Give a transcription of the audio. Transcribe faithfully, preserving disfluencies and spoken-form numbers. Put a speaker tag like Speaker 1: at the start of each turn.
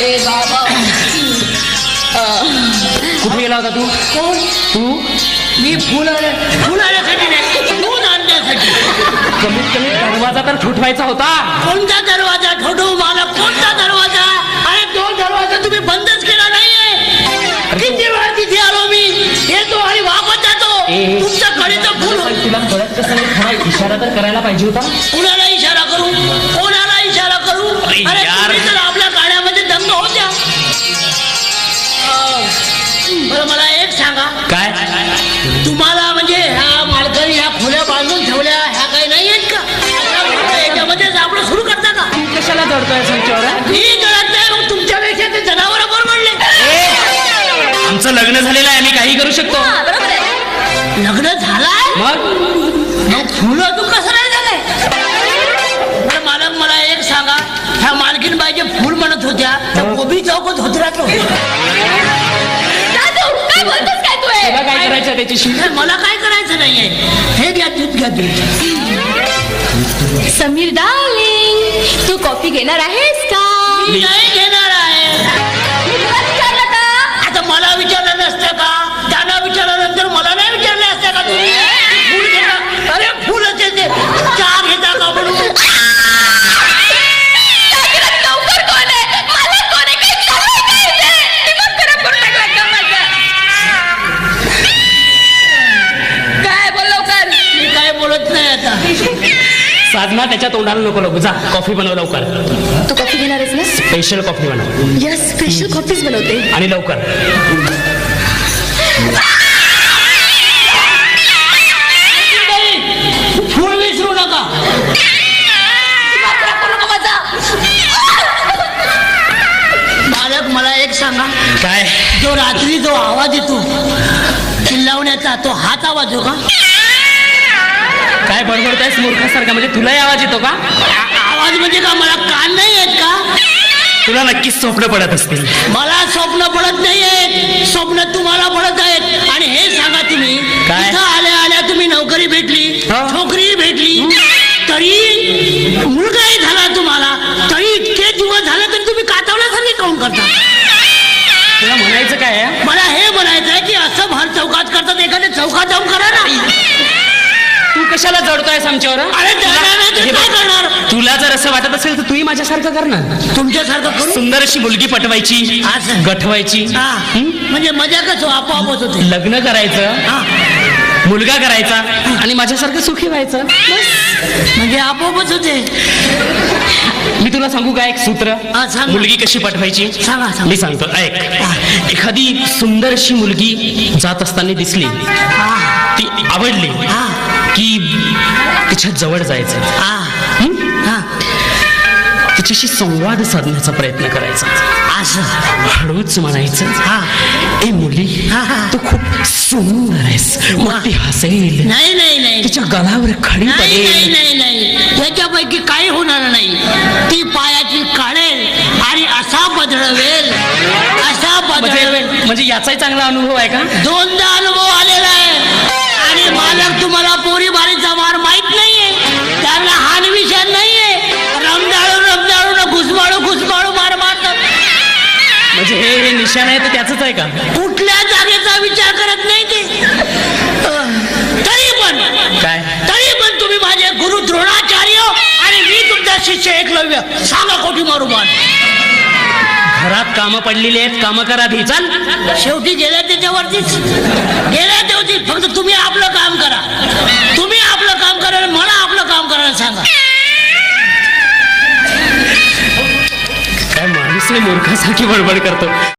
Speaker 1: ए बाबा
Speaker 2: कुठे गेला होता तू?
Speaker 1: कोण?
Speaker 2: तू?
Speaker 1: मी फुल फुल आणण्यासाठी नाही, दूध आणण्यासाठी.
Speaker 2: कमीत कमी दरवाजा तर ठोठवायचा होता.
Speaker 1: कोणता दरवाजा ठोठवू मला? कोणता दरवाजा? अरे तो दरवाजा तुम्ही बंदच केला नाहीये. किती वेळा तिथे आलो मी, येतो आणि वापस जातो. तुमच्या कडेचं फुल.
Speaker 2: तुला कळत कसं नाही? खरा इशारा तर करायला पाहिजे होता.
Speaker 1: कुणाला इशारा करू? कोणाला इशारा करू? अरे तुम्ही तर आपल्या गाड्यामध्ये दंग होत्या. बरं मला एक सांगा,
Speaker 2: काय
Speaker 1: तुम्हाला म्हणजे ह्या मालकाने ह्या खोल्या बांधून ठेवल्या ह्या काही नाही आहेत का? याच्यामध्येच आपलं सुरू करता का?
Speaker 2: तू कशाला जडतोय संचवर?
Speaker 1: मी जळत नाही, मग तुमच्यापेक्षा ते जनावर म्हणले.
Speaker 2: आमचं लग्न झालेलं आहे, आम्ही काही करू शकतो.
Speaker 1: लग्न झालाय
Speaker 2: मग
Speaker 1: मग फुलं तू कसं नाही झालंय? बरं मालक मला एक सांगा, ह्या मालकीन बाईचे फुल म्हणत होत्या त्या गोबी चौकात होत
Speaker 2: तुला काय करायचं त्याच्याशी?
Speaker 1: मला काय करायचं नाहीये. हे घ्या दूध घ्या दूध.
Speaker 3: समीर डार्लिंग, तू कॉफी घेणार आहेस का?
Speaker 1: मी नाही घेणार आहे.
Speaker 3: मी तुला विचारलं का?
Speaker 1: आता मला विचारलं नसतं का? त्यांना विचारल्यानंतर मला नाही विचारले असते का तुम्ही? फुल घेता? अरे फुलच येते. चहा घेता का म्हणून?
Speaker 3: लवकर कोण आहे? मला कोण आहे? काही चाललंय का इथे? दिमाग खराब करून टाकला का माझा? काय बोल लवकर.
Speaker 1: मी काय बोलत नाही आता.
Speaker 2: साधना त्याच्या तोंडाला नको लागू. जा कॉफी बनव लवकर.
Speaker 3: तू कॉफी घेणार आहेस ना?
Speaker 2: स्पेशल कॉफी बनव.
Speaker 3: यस, स्पेशल कॉफीच बनवते.
Speaker 2: आणि लवकर.
Speaker 1: फुल विसरू नका. मालक मला एक सांगा,
Speaker 2: काय
Speaker 1: जो रात्री जो आवाज येतो चिल्लावण्याचा, तो हाच आवाज हो का?
Speaker 2: काय बडबडतायस मूर्खासारखा? म्हणजे तुलाही आवाज येतो का?
Speaker 1: आ- आवाज म्हणजे का मला कान नाही आहेत का?
Speaker 2: तुला नक्कीच स्वप्न पडत असतील.
Speaker 1: मला स्वप्न पडत नाहीये, स्वप्न तुम्हाला पडत आहेत. आणि हे सांगा तुम्ही,
Speaker 2: काय?
Speaker 1: इथं आल्या आल्या तुम्ही नोकरी भेटली,
Speaker 2: हा.
Speaker 1: छोकरी भेटली, तरी मुलगाही झाला तुम्हाला, तरी इतके दिवस झाले तरी तुम्ही कातवल्यासारखे काऊन करता?
Speaker 2: तुला म्हणायचं काय आहे?
Speaker 1: मला हे म्हणायचं आहे की असं भर चौकात करतात, एखाद्या चौकात जाऊन करा ना.
Speaker 2: तू कशाला जडतोयस आमच्यावर?
Speaker 1: अरे त्याला नाही तर
Speaker 2: हे
Speaker 1: काय
Speaker 2: बघ,
Speaker 1: करणार?
Speaker 2: तुला जर असं वाटत असेल तर तूही माझ्यासारखं कर ना.
Speaker 1: तुमच्यासारखं करू.
Speaker 2: सुंदर अशी मुलगी पटवायची,
Speaker 1: असं.
Speaker 2: गठवायची,
Speaker 1: हा.
Speaker 2: हं?
Speaker 1: म्हणजे मजा कसं आपोआपच होते.
Speaker 2: लग्न करायचं,
Speaker 1: हा.
Speaker 2: मुलगा करायचा आणि माझ्यासारखं सुखी व्हायचं. बस.
Speaker 1: म्हणजे आपोआपच होते.
Speaker 2: मी तुला सांगू का एक सूत्र?
Speaker 1: हा, सांग ना.
Speaker 2: मुलगी कशी पटवायची?
Speaker 1: सांगा, सांगा.
Speaker 2: मी सांगतो ऐक. एखादी सुंदर अशी मुलगी जात असताना दिसली,
Speaker 1: हा.
Speaker 2: ती आवडली
Speaker 1: हा.
Speaker 2: की तिच्या जवळ जायचं,
Speaker 1: हा.
Speaker 2: हं?
Speaker 1: हा.
Speaker 2: तिच्याशी संवाद साधण्याचा प्रयत्न करायचा.
Speaker 1: असं.
Speaker 2: हळूच म्हणायचं,
Speaker 1: हा.
Speaker 2: ए मुली,
Speaker 1: हा, हा.
Speaker 2: तू खूप सुंदर आहेस. मग ती हसेल,
Speaker 1: नाही नाही नाही
Speaker 2: तिच्या गळावर खडी
Speaker 1: नाही नाही
Speaker 2: पडेल.
Speaker 1: नाही नाही त्याच्यापैकी काही होणार नाही. ती पायाची काढेल आणि असा बदळवेल, असा बदळवेल.
Speaker 2: म्हणजे म्हणजे याचाही चांगला अनुभव आहे का?
Speaker 1: दोनदा अनुभव आलेला आहे. आणि मालक तुम्हाला पोरी बारीचा मार माहित नाहीये, त्यांना हान विषय नाहीये. रमदाळू रमदाळू घुसमाळू घुसमाळू मार मारतात.
Speaker 2: म्हणजे हे हे निशाण आहे तर त्याच आहे का?
Speaker 1: कुठल्या जागेचा विचार करत नाही ते. अं, तरी पण
Speaker 2: काय?
Speaker 1: तरी पण तुम्ही माझे गुरु द्रोणाचार्य आणि मी तुमचा शिष्य एकलव्य. सांगा कोठी मारू मान.
Speaker 2: घरात कामं पडलेली आहेत, कामं करा धी. चल.
Speaker 1: शेवटी गेल्या त्याच्यावरतीच गेल्या तेवढी. फक्त तुम्ही आपलं काम करा, तुम्ही आपलं काम करा आणि मला आपलं काम करायला सांगा.
Speaker 2: काय माणूस मूर्खासारखी बडबड करतो.